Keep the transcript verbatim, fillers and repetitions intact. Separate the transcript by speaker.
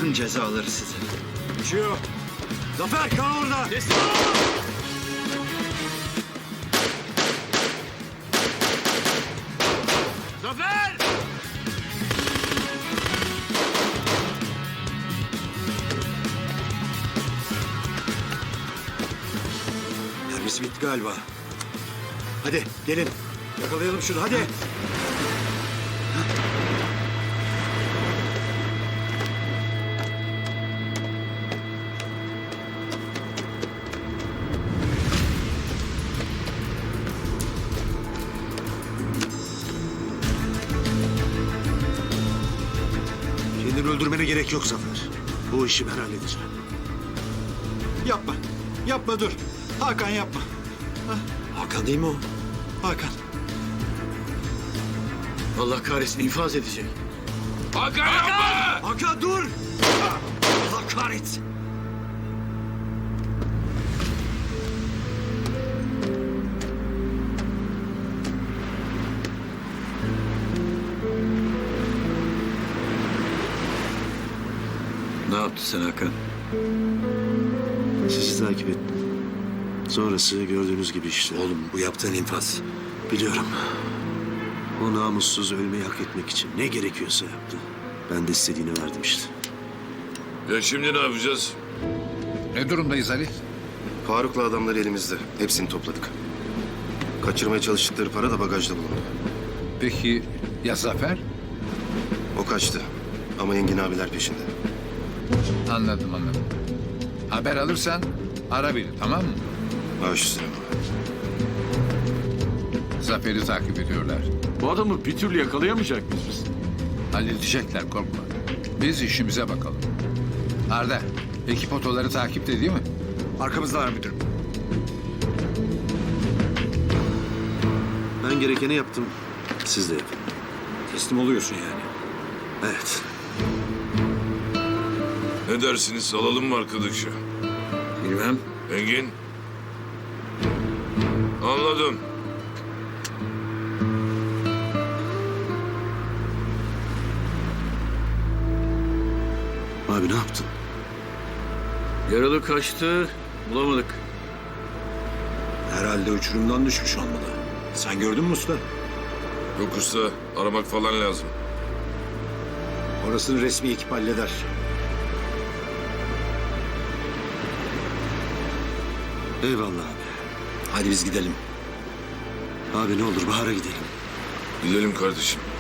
Speaker 1: Allah'ın cezaları size. Uçuyor. Zafer kal orada. Destek. Zafer! Mermisi bitti galiba. Hadi gelin. Yakalayalım şunu hadi.
Speaker 2: Kendini öldürmene gerek yok Zafer. Bu işi ben halledeceğim.
Speaker 1: Yapma. Yapma dur. Hakan yapma. Hakan değil mi o? Hakan. Allah kahretsin infaz edecek.
Speaker 3: Hakan yapma!
Speaker 1: Hakan dur! Allah kahretsin. Ne yaptı sen Hakan?
Speaker 2: Sizi takip ettim. Sonrası gördüğünüz gibi işte.
Speaker 1: Oğlum bu yaptığın infaz.
Speaker 2: Biliyorum. O namussuz ölmeyi hak etmek için ne gerekiyorsa yaptı. Ben de istediğini verdim işte.
Speaker 3: Ya şimdi ne yapacağız?
Speaker 4: Ne durumdayız Ali?
Speaker 5: Faruk'la adamları elimizde. Hepsini topladık. Kaçırmaya çalıştıkları para da bagajda bulundu.
Speaker 4: Peki ya Zafer?
Speaker 5: O kaçtı. Ama Engin abiler peşinde.
Speaker 4: Anladım anladım. Haber alırsan ara beni, tamam mı?
Speaker 5: Baş üstüne.
Speaker 4: Zafer'i takip ediyorlar.
Speaker 6: Bu adamı bir türlü yakalayamayacak mıyız biz?
Speaker 4: Halledecekler, korkma. Biz işimize bakalım. Arda, ekip otoları takipte değil mi?
Speaker 2: Arkamızdalar müdürüm. Ben gerekeni yaptım. Siz de yapın.
Speaker 1: Teslim oluyorsun yani.
Speaker 2: Evet.
Speaker 3: Ne dersiniz? Alalım mı arkadaşı?
Speaker 1: Bilmem.
Speaker 3: Engin? Anladım.
Speaker 2: Abi ne yaptın?
Speaker 1: Yaralı kaçtı. Bulamadık. Herhalde uçurumdan düşmüş olmalı. Sen gördün mü usta?
Speaker 3: Yok usta, aramak falan lazım.
Speaker 1: Orasını resmi ekip halleder.
Speaker 2: Eyvallah abi.
Speaker 1: Hadi biz gidelim.
Speaker 2: Abi ne olur Bahar'a gidelim.
Speaker 3: Gidelim kardeşim.